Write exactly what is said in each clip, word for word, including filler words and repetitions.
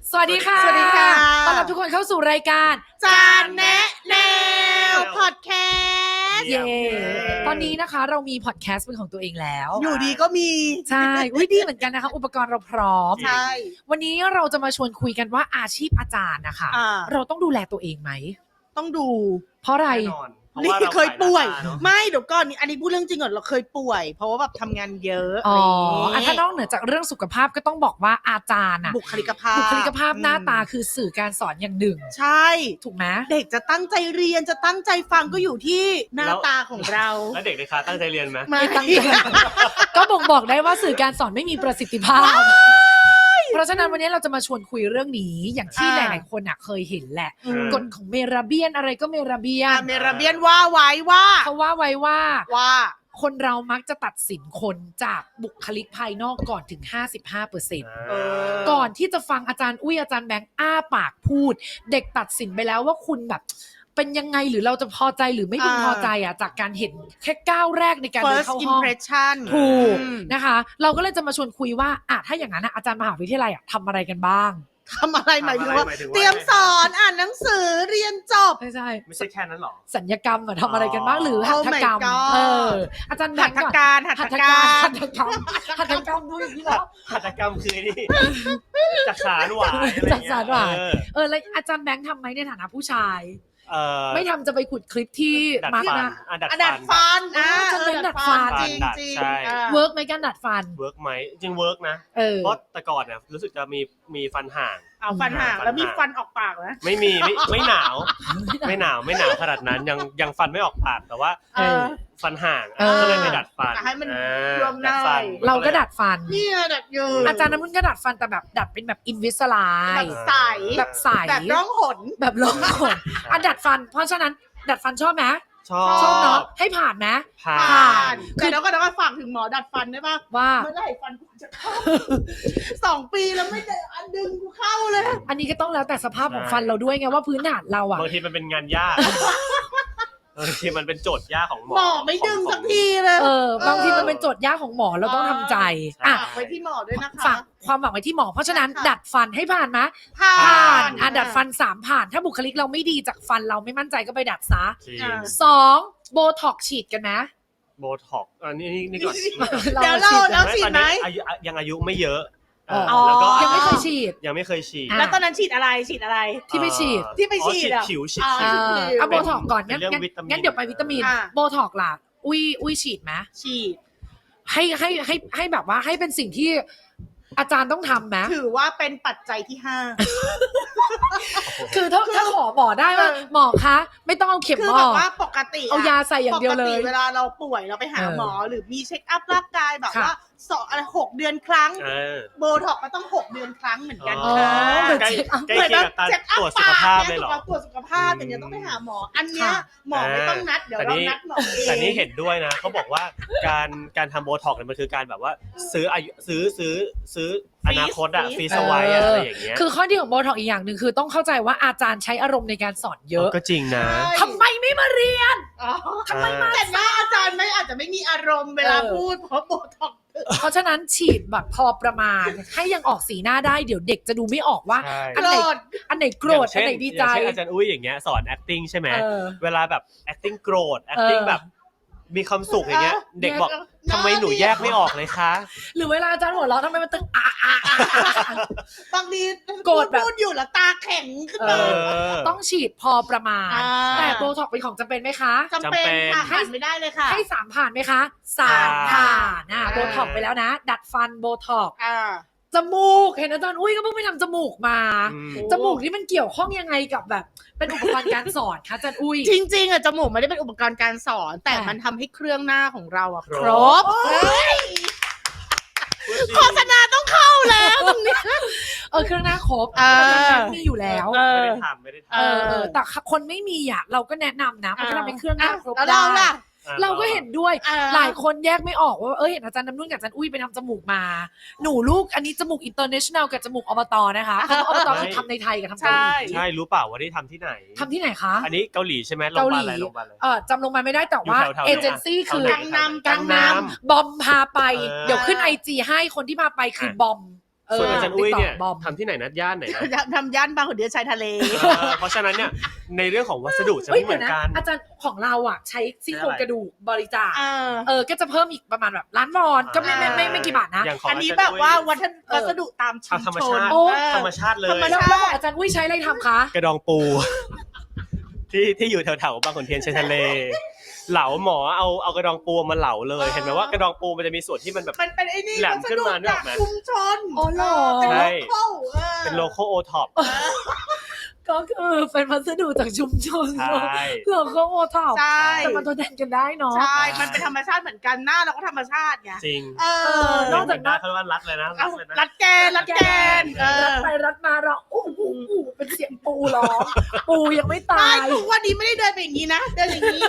สวัสดีค่ะสวัสดีค่ะต้อนรับทุกคนเข้าสู่รายการจานแนะแนวพอดแคสต์เย่ตอนนี้นะคะเรามีพอดแคสต์เป็นของตัวเองแล้วอยู่ดีก็มีใช่อุ้ยดีเหมือนกันนะคะอุปกรณ์เราพร้อมใช่วันนี้เราจะมาชวนคุยกันว่าอาชีพอาจารย์นะคะอ่าเราต้องดูแลตัวเองไหมต้องดูเพราะอะไรแน่นอนเพราะนี่ว่าเราเคยป่วยขายหน้าตาเนอะไม่เดี๋ยวก่อนอันนี้พูดเรื่องจริงก่อนเราเคยป่วย เพราะว่าแบบทำงานเยอะอ๋ออะไรอ่ะอย่างถ้างี้นอกเหนือจากเรื่องสุขภาพก็ต้องบอกว่าอาจารย์อะบุคลิกภาพบุคลิกภาพหน้าตาอืมคือสื่อการสอนอย่างหนึ่งใช่ถูกไหมเด็กจะตั้งใจเรียนจะตั้งใจฟังก็อยู่ที่หน้าตาของเราแล้วเด็กในคลาสตั้งใจเรียนไหมไม่ตั้งใจ ก็บ่งบอกได้ว่าสื่อการสอนไม่มีประสิทธิภาพ เพราะฉะนั้นวันนี้เราจะมาชวนคุยเรื่องนี้อย่างที่หอ่าลายๆคนอ่ะเคยเห็นแหละอืมกฎของเมราเบียนอะไรก็เมราเบียอ่ะนเมราเบียนว่าไว้ว่าเขาว่าไว้ว่าว่าคนเรามักจะตัดสินคนจากบุคลิกภายนอกก่อนถึง ห้าสิบห้าเปอร์เซ็นต์เออก่อนที่จะฟังอาจารย์อุ้ยอาจารย์แบงค์อ้าปากพูด เด็กตัดสินไปแล้วว่าคุณแบบเป็นยังไงหรือเราจะพอใจหรือไม่พึงอ่าพอใจอ่ะจากการเห็นแค่ก้าวแรกในการเดิน first เข้าห้อง impression ถูกอืมนะคะ เราก็เลยจะมาชวนคุยว่าอ่ะถ้าอย่างนั้นอ่ะอาจารย์มหาวิทยาลัยอ่ะทำอะไรกันบ้างทำอะไรหมายถึงว่าทำอะไรหมายถึงว่าเตรียมสอนอ่านหนังสือเรียนจบไม่ใช่ไม่ใช่แค่นั้นหรอสัญญกรรมอะทำอะไรกันบ้างหรือ Oh หัตถกรรม my god เอออาจารย์แบหังตค์ถก่อนการหัตหัถตถกาการรหัตถกรรมหัตถกรรมดูอย่างนี้แล้วหัตถกรรมคือนี่ จักสารหวายอะไรจักสารหวายเออเออแล้วอาจารย์แบงค์ทำไหมในฐานะผู้ชายเออไม่ทำจะไปขุดคลิปที่ดัดมาร์กฟันนะอ่ะดัดอ่ะดัดฟัฟันนอ่ะจะเป็นออดัดฟันจริงดัดจริงใช่อ่ะเวิร์กไหมการดัดฟันเวิร์กไหมจริงเวิร์กนะเออเพราะแต่ก่อนเนี่ยรู้สึกจะมีมีฟันห่างเอาฟันห่างฟันห่างแล้วมีฟันออกปากไหมไม่มีไม่ไม่หนาว ไม่หนาวไม่หนาวขนาดนั้นยังยังฟันไม่ออกปากแต่ว่าเออฟันห่างเออก็เลยไปดัดฟันให้มันอ่ารวมหน่อยดัดฟันเราก็ดัดฟันนี่ไงดัดอยู่อาจารย์น้ำมึนก็ดัดฟันแต่แบบดัดเป็นแบบอินวิสไลแบบใสแบบใสแบบร้องหนแบบลงขนอ่ะดัดฟัน เพราะฉะนั้นดัดฟันชอบไหมชอบชอบเนาะให้ผ่านไหมผ่าผ่านนแต่แล้วก็แล้วก็ฝากถึงหมอดัดฟันได้ป่ะว่าเมื่อไหร่ฟันกูจะเข้า สองปีแล้วไม่ได้อันดึงกูเข้าเลยอันนี้ก็ต้องแล้วแต่สภาพของฟันเราด้วยไงว่าพื้นฐานเราอ่ะบางทีมันเป็นงานยาก บางทีมันเป็นโจทย์ยากของหมอหมอไม่ดึงสักทีเลยเออบางทีมันเป็นโจทย์ยากของหมอเราต้องทำใจอ่ะฝากไว้ที่หมอด้วยนะคะฝากความหวังไว้ที่หมอ เพราะฉะนั้นค่ะดัดฟันให้ผ่านไหมผ่าผ่านนอ่ะดัดฟันสามผ่าน ถ้าบุคลิกเราไม่ดีจากฟันเราไม่มั่นใจก็ไปดัดซะจริงอ่าสองโบท็อกฉีดกันนะโบท็อกซ์อันนี้นี่นี่ก่อนเดี๋ยวเราเราเราฉีดไหมอายุยังอายุไม่เยอะเอออ๋อแล้วก็ยังไม่เคยฉีดยังไม่เคยฉีดอ่ะแล้วตอนนั้นฉีดอะไรฉีดอะไรที่ไปฉีดเอ่อที่ไปฉีดอ๋ออ่ะผิวฉีดอ่าผิเอวอเอาโบท็อกก่อนเป็งั้นนเรื่องงั้นวิตามินงั้นเดี๋ยวไปวิตามินอ่ะโบท็อกล่ะอุ้ยอุ้ยฉีดไหมฉีดให้ให้ให้ให้แบบว่าให้เป็นสิ่งที่อาจารย์ต้องทำไหมถือว่าเป็นปัจจัยที่ห้าคือถ้าถ้าขอหมอได้ว่าเออหมอคะ ไม่ต้องเอาเข็มคือหมแบอบว่าปกติะเอายาใส่อย่างเดียวเลปกยติเวลาเราป่วยเราไปหาเออหมอหรือมีเช็คอัพร่างกายแบบค่ะว่าสองอะไรหกเดือนครั้งเออโบท็อกก็ต้องหกเดือนครั้งเหมือนกันอ๋อค่ะเหมือนใกล้เช็คอัพใกล้เคียงกับการตรวจสุขภาพเลยเหรอตรวจสุขภาพอย่างเงี้ยต้องไปหาหมอ อันเนี้ยค่ะหมอไม่ต้องนัดเดี๋ยวแต่เรานี่นัดหมอเองแต่นี่เห็นด้วยนะเขาบอกว่าการการทำโบท็อกซ์เนี่ยมันคือการแบบว่าซื้ออายุซื้อซื้อซื้ออนาคตอะฟรีสไวอะอะไรอย่างเงี้ยคือข้อดีของโบท็อกอีกอย่างหนึ่งคือต้องเข้าใจว่าอาจารย์ใช้อารมณ์ในการสอนเยอะก็จริงนะทำไมไม่มาเรียนอ๋อทำไมมาแต่ว่าอาจารย์ไม่อาจจะไม่มีอารมณ์เวลาเออพูดเพราะโบท็อกซ์เพราะฉะนั้นฉีดแบบพอประมาณ ให้ยังออกสีหน้าได้เดี๋ยวเด็กจะดูไม่ออกว่าใช่อันไหนอันไหนโกรธอันไหนดีใจอย่างเช่นอาจารย์อุ้ยอย่างเงี้ยสอน acting ใช่ไหมเออเวลาแบบ acting โกรธ acting เออแบบมีความสุขอย่างเงี้ย เด็กบอกแยกทำไมหนูแยกไม่ออกเลยคะหรือเวลาอาจารย์หัวเราะทำไมมันตึงอ่ะอ่ะอ่ะอ่ะบางทีโกรธแบบพูดอยู่แล้วตาแข็งขึ้นเอมาอต้องฉีดพอประมาณอ่าแต่โบท็อกเป็นของจำเป็นไหมคะจำเป็นค่ะจำเป็นผ่านไม่ได้เลยค่ะให้สามผ่านไหมคะสามผ่านผ่านนะอ่าโบท็อกไปแล้วนะ ดัดฟันโบท็อกอ่าจมูกเห็นอาจารย์อุ้ยก็เพิ่งไปทำจมูกมาอืมจมูกนี่มันเกี่ยวข้องยังไงกับแบบ เป็นอุปกรณ์การสอนคะอาจารย์อุ้ยจริงๆอ่ะจมูกไม่ได้เป็นอุปกรณ์การสอน แต่อ่ามัมันทำให้เครื่องหน้าของเราอ่ะคครรบบเฮ้ยโฆษณาต้องเข้าแล้วตรงนี้เออเครื่องหน้าครบเอออาจารย์แบงค์มีอยู่แล้วเอไม่อได้ทำไม่ได้เอทำอเออแต่คนไม่มีอ่ะเราก็แนะนำนะมันก็ทำให้เครื่องหน้าครบแล้วได้เราล่ะอ่ะเราก็เห็นด้วยอ่าหลายคนแยกไม่ออกว่าเออเห็นอาจารย์น้ำนุ่นกับอาจารย์อุ้ยไปทำจมูกมา หนูลูกอันนี้จมูกอินเตอร์เนชั่นแนลกับจมูกอบตนะคะคำว่าอบตคือทำในไทยกับทำเกาหลีใช่รู้เปล่าว่าได้ทำที่ไหนทำที่ไหนคะอันนี้เกาหลีใช่ไหมโรงพเกายาหบาลีลอะไรโรงพยาบาลอะไรเออจำลงมาไม่ได้แต่ว่าอยู่แถวๆเอเจนซี่คือแถวไหนกังนำกังนำบอมพาไปเออเดี๋ยวขึ้นไอจีให้คนที่พาไปคืออ่ะบอมเเออส่วนอาจารย์อุ้ยเนี่ย TikTok บอมทำที่ไหนนะย่านไหนนะทำย่านบางขุนเทียนชายทะเลเออเพราะฉะนั้นเนี่ยในเรื่องของวัสดุจะเฮ้ยไม่เหมือนกันอาจารย์ของเราอ่ะใช้ซี่โครงกระดูกบริจาคเออเออก็จะเพิ่มอีกประมาณแบบล้านวอนก็ไม่ไม่ไม่ไม่กี่บาทนะอย่างของอันนี้าจารย์แบบว่าอุ้ยวัฒนวัสดุตามชุมธรรมชชาน ติโอ้ธรรมชาติเลยธรรมแล้วชาติแล้วของอาจารย์อุ้ยใช้อะไรทำคะกระดองปู ที่ที่อยู่แถวๆบางขุนเทียนชายทะเล เหลาหมอเอาเอากระดองปูมาเหลาเลยเห็นไหมว่ากระดองปูมันจะมีส่วนที่มันแบบมันเป็นไอ้นี่แหลมวัสขึ้นดุมานึกอจาอก กไหมชุมชนอ๋อเหรอเป็นใช่โลโก้เออเป็นโลโก้โอท็อปก็คือเป็นวัสดุจากชุมชนใช่เราก็โอท็อปใช่แต่มันทดแทนกันได้เนาะใช่ มันเป็นธรรมชาติเหมือนกันหน้าเราก็ธรรมชาติไงจริงเอเอออนอกจากนั้นเขาเรียกว่ารัดเลยนะรัเอาดเลยนะรัดแกนรัดแกนเออรัดไปรัดมาเราอู้หูอู้เป็นเสียงปูร้องปูยังไม่ตาไม่ยทุกวันนี้ไม่ได้เดินไปอย่างนี้นะ เดินอย่างนี้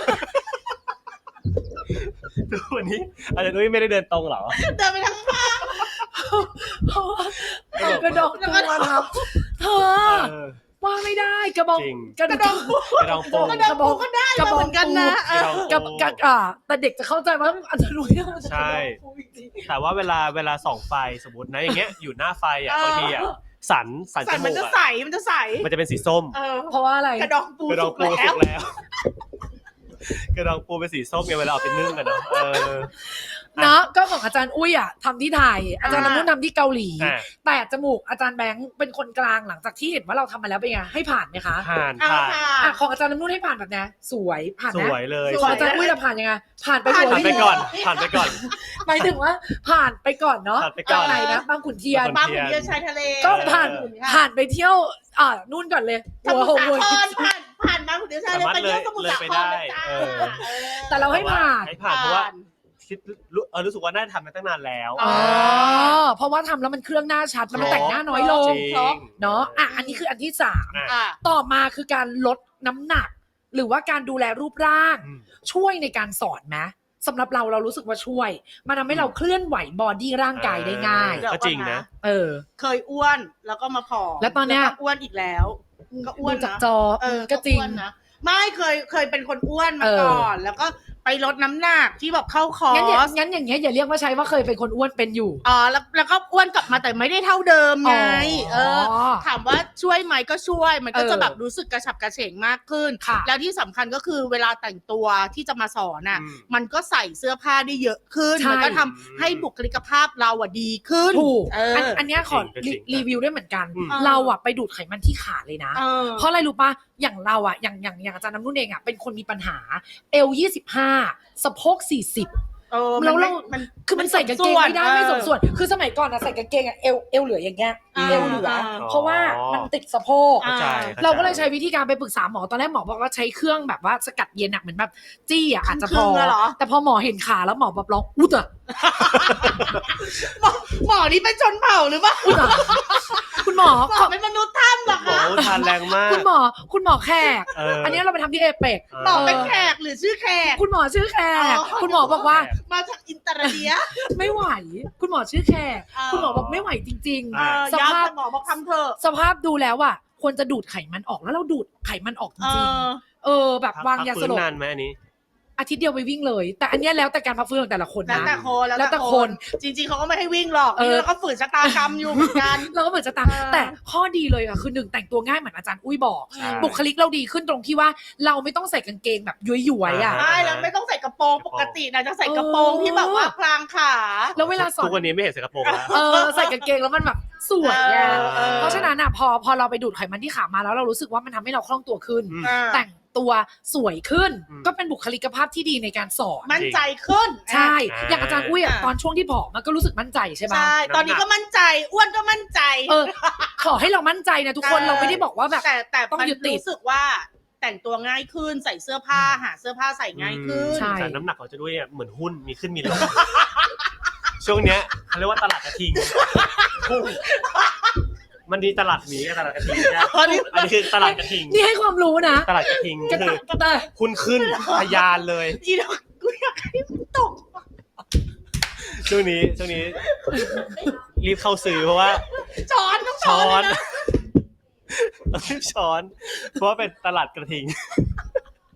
ทุกวันนี้อาจารย์นุ้ยไม่ได้เดินตรงเหรอเดินไปทั้งภาคเพราะว่าเอากระดองปูมาทับเธอเออว่าไม่ได้กระบองจริงกระกระดดออง งปูกระดองปูกระดองปูก็ได้กระมาบองเหมือนกันนะเออกระดองกับกับอ่าแต่เด็กจะเข้าใจว่าอาจจะรู้ยังใช่ แต่ว่าเวลาเวลาส่องไฟสมมตินะอย่างเงี้ยอยู่หน้าไฟอ่ะเออบางทีอ่ะสันสันใส่จมัมูนกจะอ่ะใสมันจะใสมันจะเป็นสีส้มเออเพราะว่าอะไรกระดองปูกระดองปูสุสุกกแล้วแล้ว กระดองปูเป็นสีส้มไงเวลาเอาไปนึ่งกันเนาะเออเนาะก็ของอาจารย์อุ้ยอ่ะทำที่ไทย อาจารย์น้ำนุ่นทำที่เกาหลีอ่ะแต่จมูกอาจารย์แบงค์เป็นคนกลางหลังจากที่เห็นว่าเราทำมาแล้วเป็นไงให้ผ่านไหมคะผ่านเอาผ่านค่ะอ่ะของอาจารย์น้ำนุ่นให้ผ่านแบบเนี้ยสวยผ่านสนะวยเลยของอาจารย์อุ้ยจะผ่านยังไงผ่านไปผ่านหัวผ่านไปหินก่อนผ่านไปก่อนหมายถึงว่าผ่านไปก่อนเนาะผ่านไปก่อนไหนนะบางขุนเทียนบางบางขุนเทียนชายทะเลก็ผ่านเออผ่านไปเที่ยวอ่านู่นก่อนเลยสหัวมุทหรงสาหัวครผ่านผ่านบางขุนเทียนชายทะเลสามารถไปเที่ยวสมุทรเลยสาไปคได้รเลยจ้าเออแต่เราให้ผ่านให้ผ่านเพราะว่าคิดรู้เออรู้สึกว่าน่าจะทำมาตั้งนานแล้วอ๋อเพราะว่าทำแล้วมันเครื่องหน้าชัดแล้วมันแต่งหน้าน้อยลงจริงเนาะอ่ะอันนี้คืออันที่สามอ่ะอ่ะต่อมาคือการลดน้ำหนัก หรือว่าการดูแลรูปร่างอืมช่วยในการสอนไหมสำหรับเราเรารู้สึกว่าช่วย มันทำให้เราเคลื่อนไหวบอดี้ร่างกายได้ง่ายก็จริงนะเออเคยอ้วนแล้วก็มาผอมแล้วตอนเนี้ยก็อ้วนอีกแล้ว ก็อ้วนดูจากนะจอเออก็จริงอ้วนนะไม่เคยเคยเป็นคนอ้วนมาเออก่อน แล้วก็ไปลดน้ำหนักที่แบบเข้าคองั้นอย่าร์สงั้นอย่างเงี้ยอย่าเรียกว่าใช้ว่าเคยเป็นคนอ้วนเป็นอยู่อ๋อแล้วแล้วก็อ้วนกลับมาแต่ไม่ได้เท่าเดิมไงเออ ถามว่าช่วยไหมก็ช่วย มันก็เออจะแบบรู้สึกกระฉับกระเฉงมากขึ้นค่ะแล้วที่สำคัญก็คือเวลาแต่งตัวที่จะมาสอนอ่ะอืมมันก็ใส่เสื้อผ้าได้เยอะขึ้นใช่มันก็ทำให้บุคลิกภาพเราอ่ะดีขึ้นถูกเอออัอันอันเนี้ยขอจริงๆรีวิวด้วยเหมือนกันอืมเราอะไปดูดไขมันที่ขาเลยนะเออเพราะอะไรรู้ปะอย่างเราอะอย่างอย่างอย่างอาจารย์น้ำนุ่นเองอะเป็นคนมีปัญหาเอลยี่สิบห้าสะโพกสี่สิบเออแล้วเรามันคือมันใส่กางเกงไม่ได้เออไม่สมส่วน คือสมัยก่อนอะใส่กางเกงอะเอวเอวเหลืออย่างเงี้ยอ่าเอวเหลืออ่าเพราะว่ามันติดสะโพกอ่าเข้าใจเราก็เลยใช้วิธีการไปปรึกษาหมอตอนแรกหมอบอกว่าใช้เครื่องแบบว่าสกัดเย็นอะเหมือนแบบจี้อะอาจจะพอครึ่งๆอะเหรอแต่พอหมอเห็นขาแล้วหมอแบบร้องอุ๊ดอะหมอหมอนี่เป็นชนเผ่าหรือเปล่าอุ๊ดอะคุณหมอหมอเป็นมนุษย์ถ้ำเหรอโอ้คะโหทานแรงมากคุณหมอคุณหมอแขกเอออันนี้เราไปทำที่เอเปกหมอเป็นแขกหรือชื่อแขกคุณหมอชื่อแขกอ๋อคุณหมอบอกว่ามาจากอินเตอร์เดียไม่ไหว คุณหมอชื่อแขกเออคุณหมอบอกไม่ไหวจริงเออๆ สย้ำภาพแต่หมอบอกทำเถอะสภาพดูแล้วอ่ะควรจะดูดไขมันออกแล้วเราดูดไขมันออกจเอริงอๆเออ แบบวางยาสลบพักฟื้นนานไหมอันนี้อาทิตย์เดียวไปวิ่งเลย แต่อันเนี้ยแล้วแต่การพักฟื้นของแต่ละคนแล้วนะแต่คนแล้วแต่คนจริงๆเขาก็ไม่ให้วิ่งหรอกเออแล้วก็ฝืนชะตากรรมอยู่เหมือนกันเราก็เหมือนจะตามเออแต่ข้อดีเลยอะคือหนึ่งแต่งตัวง่ายเหมือนอาจารย์อุ้ยบอกใช่บุคลิกเราดีขึ้นตรงที่ว่าเราไม่ต้องใส่กางเกงแบบย้วยๆอะอ่าใช่แล้วไม่ต้องใส่กระโปรงปกตินะจะใส่กระโปรงที่แบบว่าพลางขาแล้วเวลาสอทุนกวันนี้ไม่เห็นใส่กระโปรงแล้วเออใส่กางเกงแล้วมันแบบสวยไงเออเออเพราะฉะนั้นอ่ะพอพอเราไปดูดไขมันที่ขามาแล้วเรารู้สึกว่ามันทำให้เราคล่องตัวขึ้นอืมอ่าแต่งตัวสวยขึ้นอืมก็เป็นบุคลิกภาพที่ดีในการสอนมั่นใจขึ้นใช่อ่าอย่างอาจารย์อุ้ยอะอ่าตอนช่วงที่ผอมมันก็รู้สึกมั่นใจใช่ไหมใช่ ตอนนี้ก็มั่นใจ อ้วนก็มั่นใจเออ ขอให้เรามั่นใจนะทุกคนใช่เราไม่ได้บอกว่าแบบแต่แต่ต้องมันยึดติดรู้สึกว่าแต่งตัวง่ายขึ้นใส่เสื้อผ้าหาเสื้อผ้าใส่ง่ายขึ้นใช่แต่น้ำหนักของจะด้วยเนี่ยเหมือนหุ้นมีขึ้นมีลง ช่วงเนี้ยเขาเรียกว่าตลาดกระทิงพุ่งมันดีตลาดหมีกับตลาดกระทิงใช่ไหมอันนี้อันนี้คือตลาดกระทิงนี่ให้ความรู้นะตลาดกระทิงก็คือแต่หุ้นขึ้นทะยานเลยอีดอกกูอยากให้มันตกช่วงนี้ช่วงนี้ รีบเข้าซื้อเพราะว่าช้อนต้องช้ช้ออน นเลยนะรีบช้อน เพราะว่าเป็นตลาดกระทิง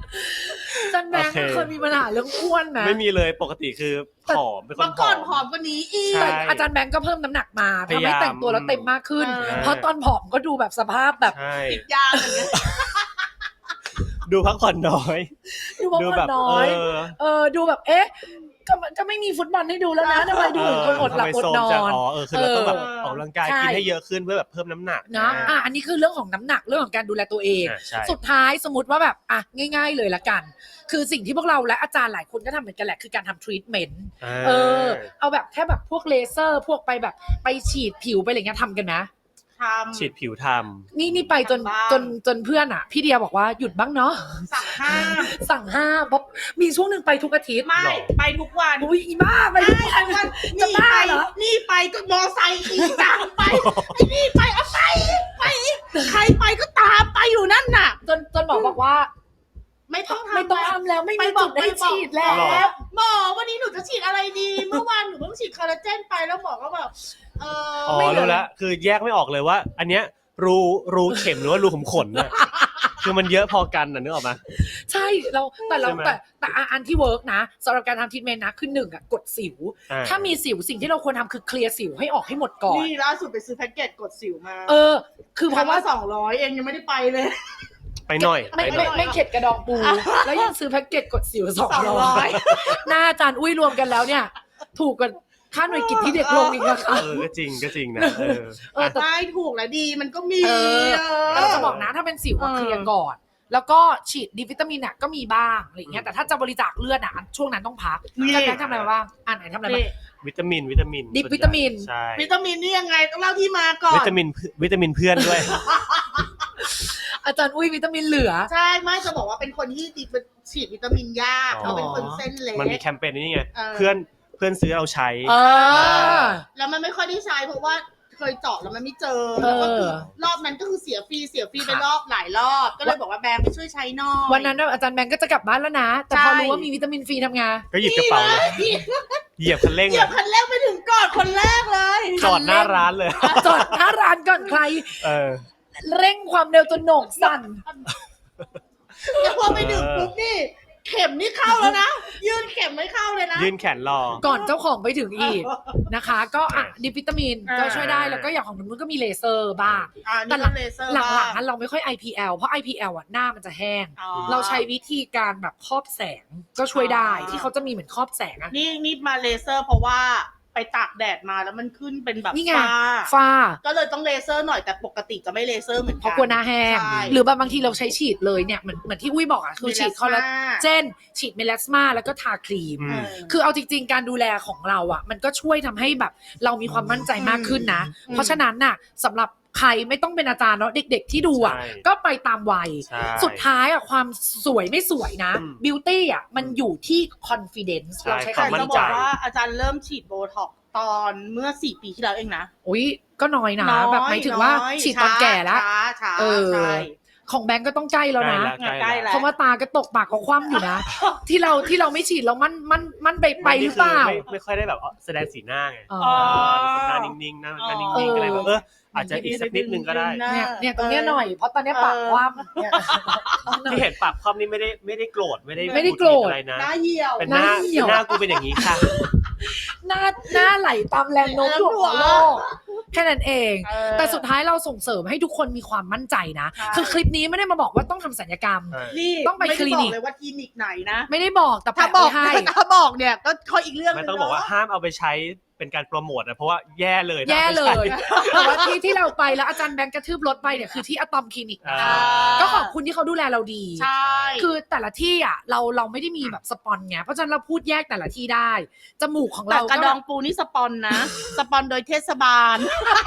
อาจารย์แบงค์โอเคเคยมีปัญหาเรื่องอ้วนไหมไม่มีเลยปกติคือผอมเป็นคนเมื่อผก่ออนผอมมกว่านี้อีกใช่แต่อาจารย์แบงค์ก็เพิ่มน้ำหนักมาพยายามทำให้แต่งตัวแล้วเต็มมากขึ้นเออเพราะตอนผอมก็ดูแบบสภาพแบบใช่ติดยาอย่างเงี้ยดูพักผ่อนน้อยดูว่าดูมันแบบน้อยเออเออดูแบบเอ๊ะก็ก็ไม่มีฟุตบอลให้ดูแล้วนะทำไมดูเหมือนคนอดหลับอดนอนอ๋อเออคือเราต้องแบบเออออกกำลังกายใช่กินให้เยอะขึ้นเพื่อแบบเพิ่มน้ำหนักนะอ่ะอันนี้คือเรื่องของน้ำหนักเรื่องของการดูแลตัวเองอ่ะใช่สุดท้ายสมมติว่าแบบอ่ะง่าย ๆเลยละกัน คือสิ่งที่พวกเราและอาจารย์หลายคนก็ทำเหมือนกันแหละคือการทำทรีทเมนต์เออเอาแบบแค่แบบพวกเลเซอร์พวกไปแบบไปฉีดผิวไปอะไรเงี้ยทำกันไหมทฉีดผิวทนี่นี่ไปจนทำบ้างจนจนเพื่อนอ่ะ พี่เดียบอกว่าหยุดบ้างเนาะำสั่งห้ามสั่งห้ามเพราะมีช่วงหนึ่งไปทุกอาทิตย์ไม่ไปทุกวันอุ้ยอีบ้าไปทุกวันวันจะนี่บ้าไปเหรอนี่ไปก็มอไซค์ขี่ตามไปไอ้นี่ไปเอาไปไปใครไปก็ตามไปอยู่นั่นน่ะจนจนหมอบอกว่าไม่ต้องทำไม่ต้องแล้วทำแล้วไม่ไปมีบอจุกดให้ฉีดแล้หรอวหมอวันนี้หนูจะฉีดอะไรดี เมื่อวานหนูเพิ่งฉีดคอลลาเจนไปแล้วหมอก็แบบเอำอ๋ออรู้แล้วคือแยกไม่ออกเลยว่า อันเนี้ยรูรูเข็มหรือว่ารูขุมขนน่ะคือมันเยอะพอกันน่ะนึกออกไหมใช่เราแต่เราใช่ไหมแต่แต่อันที่เวิร์กนะสำหรับการทำทรีทเมนต์นะคือหนึ่งอะกดสิวอ่ถ้ามีสิวสิ่งที่เราควรทำคือเคลียร์สิวให้ออกให้หมดก่อนนี่ล่าสุดไปซื้อแพ็กเกจกดสิวมาเออ คือเพครั้ราะงว่าละสองร้อยเองยังไม่ได้ไปเลยไปหน่อยไม่ไปหน่ไม่อยไม่เข็ดกระดองปู แล้วยังซื้อแพ็กเกจกดสิวสองสองร้ร้ออย ยหน้าอาจารย์อุ้ยรวมกันแล้วเนี่ย ถูกกว่าค่าหน่วยกิจที่เด็กลงอีกนะคะเออก็จริงก็จริงนะเออเออแต่ได้ถูกและดีมันก็มีเออเออแต่เราจะบอกนะถ้าเป็นสิวอะเออเคลียร์ก่อน แล้วก็ฉีดดีวิตามินอ่ะก็มีบ้างอะไรอย่างเงี้ยแต่ถ้าจะบริจาคเลือดอ่ะช่วงนั้นต้องพักนี่อาจารย์แบงค์ทำอะไรมาบ้างอ่านไหนทำอะไรบ้างนี่วิตามินวิตามินดิบส่วนใหญ่วิตามินใช่วิตามินนี่ยังไงต้องเล่าที่มาก่อนวิตามินวิตามินเพื่อนด้วยอาจารย์อุ้ยวิตามินเหลือใช่ไม่จะบอกว่าเป็นคนที่ดีฉีดวิตามินยากอ๋อเขาเป็นคนเส้นเล็กมันมีแคมเปญนี้ไงเออเพื่อนเพื่อนซื้อเราใช้เออแล้วมันไม่ค่อยได้ใช้เพราะว่าเคยเจาะแล้วมันไม่เจอเออแล้วก็คือรอบนั้นก็คือเสียฟรีเสียฟรีไปรอบหลายรอบ ก็เลยบอกว่าแบงค์ไปช่วยใช้หน่อยวันนั้นน่ะอาจารย์แบงค์ก็จะกลับบ้านแล้วนะ แต่ใช่พอรู้ว่ามีวิตามินฟรีทำไงานก็หยิบกระเป๋าเลยนี่เหยียบคันเร่งเหยีเลย ยบคันแรกไปถึงก่อนคนแรกเลยจอดหน้าร้านเลยจอดหน้าร้านก่อนใครเออเร่งความเร็วจนโหนกสั่นแล้วพอไปถึงปุ๊บนี่ เข็มนี่เข้าแล้วนะ ยื่นเข็มไม่เข้าเลยนะยื่นแขนรอก่อนเจ้าของไปถึงอีกนะคะ ก็อ่ะดิวิตามินอ่าก็ช่วยได้แล้วก็อย่างของนุ่นก็มีเลเซอร์บ้างอ่าแต่นี่หลัก็งเลเซอร์หลังบ้าๆนั้นเราไม่ค่อย ไอ พี แอล เพราะ ไอ พี แอล อ่ะหน้ามันจะแห้งอ๋อเราใช้วิธีการแบบครอบแสงก็ช่วยได้อ๋อที่เขาจะมีเหมือนครอบแสงอะนี่นี่มาเลเซอร์เพราะว่าไปตากแดดมาแล้วมันขึ้นเป็นแบบนี่ไงฝ้าฝ้าก็เลยต้องเลเซอร์หน่อยแต่ปกติจะไม่เลเซอร์เหมือนเพกัราะกลัวหน้าแห้งใช่หรือบางทีเราใช้ฉีดเลยเนี่ยเหมือนเหมือนที่อุ้ยบอกอ่ะคือฉีดคอลลาเจนฉีดเมลาสมาแล้วก็ทาครีมอืมคือเอาจริงๆการดูแลของเราอ่ะ มันก็ช่วยทำให้แบบเรามีความมั่นใจมากขึ้นนะอืมเพราะฉะนั้นน่ะสำหรับใครไม่ต้องเป็นอาจารย์เนาะเด็กๆที่ดูอ่ะใช่ก็ไปตามวัยใช่สุดท้ายอ่ะความสวยไม่สวยนะอืมบิวตี้อ่ะมันอยู่ที่ confidence ใช่เราใช้ความคำมั่จะนบใจอกว่าอาจารย์เริ่มฉีดโบท็อกซ์ตอนเมื่อสี่ปีที่แล้วเองนะอุ้ยก็น้อยนะน้อยแบบหมายถึงว่าน้อยฉีดตอนแก่แล้วช้าช้าเออใช่ของแบงก์ก็ต้องใกล้แล้วนะใกล้ใกล้แล้วเพราะว่าตาก็ตกปากก็คว่ำอยู่นะ ที่เราที่เราไม่ฉีดเรามันมันมันไปไปหรือเปล่าไม่ไม่ค่อยได้แบบแสดงสีหน้าไงอ๋ออ๋อเป็นคนหน้านิ่งๆหน้าหน้านิ่งๆก็เลยแบบเอออาจจะอีกสักนิดนึงก็ได้เนี่ยเนี่ยตรงเนี้ยหน่อยเพราะตอนเนี้ยปากคว่ำเนี่ยที่เห็นปากคว่ำนี่ไม่ได้ไม่ได้โกรธไม่ได้ไม่ได้โกรธอะไรนะหน้าเหี่ยวเป็นหน้าหน้าเหี่ยวหน้ากูเป็นอย่างนี้ค่ะหน้าหน้าไหลตามแรงโน้มถ่วงของโลกแค่นั้นเองเออแต่สุดท้ายเราส่งเสริมให้ทุกคนมีความมั่นใจนะใช่คือคลิปนี้ไม่ได้มาบอกว่าต้องทำศัลยกรรมเออนี่ต้องไปม่ด้คลินิกบอกเลยว่าคลินิกไหนนะไม่ได้บอกแต่ถ้าแปะบอไว้กให้ถ้าบอกเนี่ยก็เขาอีกเรื่องหไม่นึงต้องบอกว่าเนะห้ามเอาไปใช้เป็นการโปรโมทนะเพราะว่าแย่เลยนะแย่เลไม่ยใช่แต่ว่าที่ที่เราไปแล้วอาจารย์แบงค์กระทืบรถไปเนี่ยคือที่อะตอมคลินิกนะอ่าก็ขอบคุณที่เขาดูแลเราดีใช่คือแต่ละที่อ่ะเราเราไม่ได้มีแบบสปอนไงเพราะฉะนั้นเราพูดแยกแต่ละที่ได้จมูกของแต่เรากระก็ดแบองบปูนี่สปอนนะ สปอนโดยเทศบาล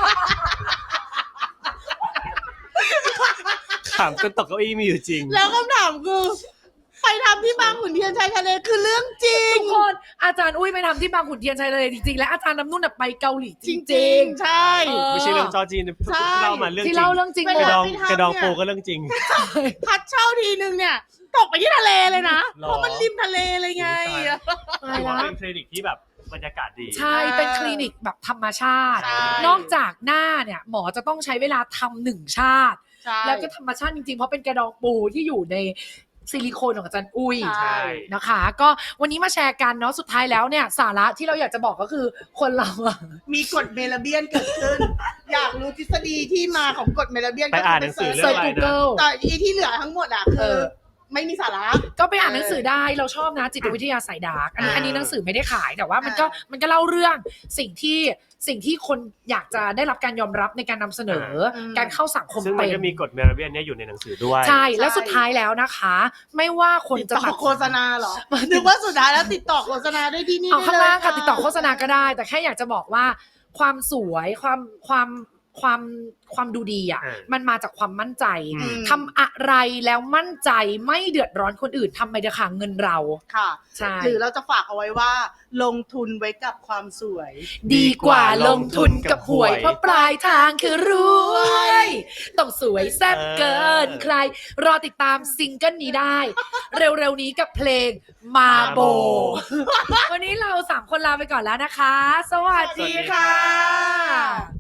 ขำจนตกเก้าอี้มีอยู่จริงแล้วคำถามคือ ไปทำที่บางขุนเทียนชายทะเลคือเรื่องจริงทุกคนอาจารย์อุ้ยไปทำที่บางขุนเทียนชัยเลยจริงๆและอาจารย์น้ำนุ่นน่ะไปเกาหลีจจริริงงๆใช่เออไม่ใช่เรื่องจอจีนใช่เล่ามาเรื่องๆจริที่งเล่าเรื่องจริงหมกระดดองไปทำกระดองเนี่ยปูก็เรื่องจริงพัดเช่าทีนึงเนี่ย ตกไปที่ทะเลเลยนะหรอเพราะมันริมทะเลเลยไงตายถือว่าละเป็นคลินิกที่แบบบรรยากาศดีใช่เป็นคลินิกแบบธรรมชาติใช่นอกจากหน้าเนี่ยหมอจะต้องใช้เวลาทำหนึ่งชาติใช่แล้วก็ธรรมชาติจริงๆ เพราะเป็นกระดองปูที่อยู่ในซิลิโคนของอาจารย์อุ้ยใช่นะคะ ก็วันนี้มาแชร์กันเนาะสุดท้ายแล้วเนี่ยสาระที่เราอยากจะบอกก็คือคนเราอะมีกฎเมลาเบียนเกิดขึ้น อยากรู้ทฤษฎีที่มาของกฎเมลาเบียนไปอ่านหนังสือเซิร์ช Google แต่อีที่เหลือทั้งหมดอ่ะเอคืออไม่มีสาระก็ไปอ่านหนังสือได้เราชอบนะจิตวิทยาสายดาร์กอันนี้อ่าอันนี้หนังสือไม่ได้ขายแต่ว่ามันก็อ่ามัมันก็เล่าเรื่องสิ่งที่สิ่งที่คนอยากจะได้รับการยอมรับในการนำเสนออืมการเข้าสังคมซึ่งมัเป็น นก็มีกฎเมลาเบียนเนี่ยอยู่ในหนังสือด้วยใช่แล้วใช่สุดท้ายแล้วนะคะ ไม่ว่าคนติดจะต่อตัดโฆษณาเหรอนึกว่าสุดท้ายแล้วติดต่อโฆษณาได้ที่นี่เอาได้ข้างล่างค่ะเยติดต่อโฆษณาก็ได้ แต่แค่อยากจะบอกว่าความสวยความความความความดูดีอ่ะอ่ามันมาจากความมั่นใจอืมทำอะไรแล้วมั่นใจไม่เดือดร้อนคนอื่นทำไปเถอะค่ะเงินเราค่ะใช่หรือเราจะฝากเอาไว้ว่า ลงทุนไว้กับความสวยดีกว่าลงทุนกับหวย เพราะปลายทางคือรวย ต้องสวยแซ่บเกินใคร รอติดตามซิงเกิลนี้ได้ เร็วๆนี้กับเพลงมาโบ วันนี้เราสามคนลาไปก่อนแล้วนะคะ สวัสดีค่ะ